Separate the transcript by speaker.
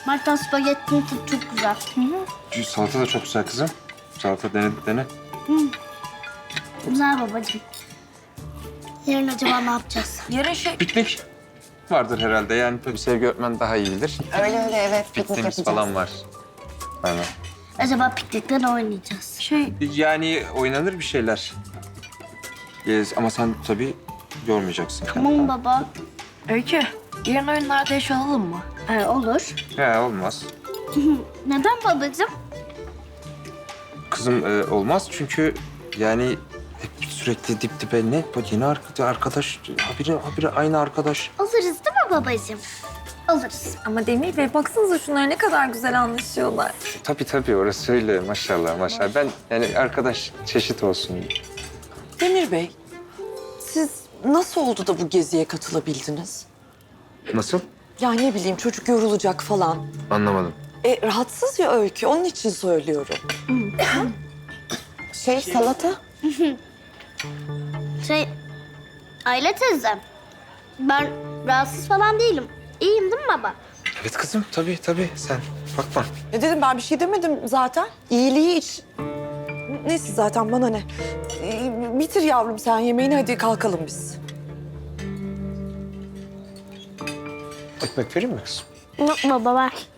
Speaker 1: Mart'tan spagettinin tadı çok güzel.
Speaker 2: Salata da çok güzel kızım. Salata dene.
Speaker 1: Güzel babacığım. Yarın acaba ne yapacağız?
Speaker 3: Yarın
Speaker 2: Piknik vardır herhalde. Yani tabii Sevgi öğretmen daha iyi bilir.
Speaker 3: Öyle evet. Piknik
Speaker 2: Pikniğimiz
Speaker 3: yapacağız.
Speaker 2: falan var. Aynen.
Speaker 1: Acaba piknikte ne oynayacağız?
Speaker 2: Yani oynanır bir şeyler. Ama sen tabii görmeyeceksin.
Speaker 1: Tamam baba.
Speaker 3: Öykü, yarın oyunlarda eş olalım mı?
Speaker 1: Olur.
Speaker 2: He olmaz.
Speaker 1: Neden babacığım?
Speaker 2: Kızım olmaz çünkü yani hep sürekli dip dibe ne? Bu yeni arkadaş, habire aynı arkadaş.
Speaker 1: Alırız değil mi babacığım? Alırız.
Speaker 4: Ama Demir Bey baksanıza şunlar ne kadar güzel anlaşıyorlar.
Speaker 2: Tabii orası öyle maşallah. Ben yani arkadaş çeşit olsun.
Speaker 5: Demir Bey, siz nasıl oldu da bu geziye katılabildiniz?
Speaker 2: Nasıl?
Speaker 5: Ya ne bileyim çocuk yorulacak falan.
Speaker 2: Anlamadım.
Speaker 5: Rahatsız ya Öykü, onun için söylüyorum. Salata.
Speaker 1: Aile teyzem. Ben rahatsız falan değilim. İyiyim değil mi baba?
Speaker 2: Evet kızım tabii sen bakma.
Speaker 5: Ne dedim ben bir şey demedim zaten. İyiliği iç. Neyse zaten bana ne. Bitir yavrum sen yemeğini hadi kalkalım biz.
Speaker 2: Ekmek vereyim mi kızım?
Speaker 1: Yok baba ver.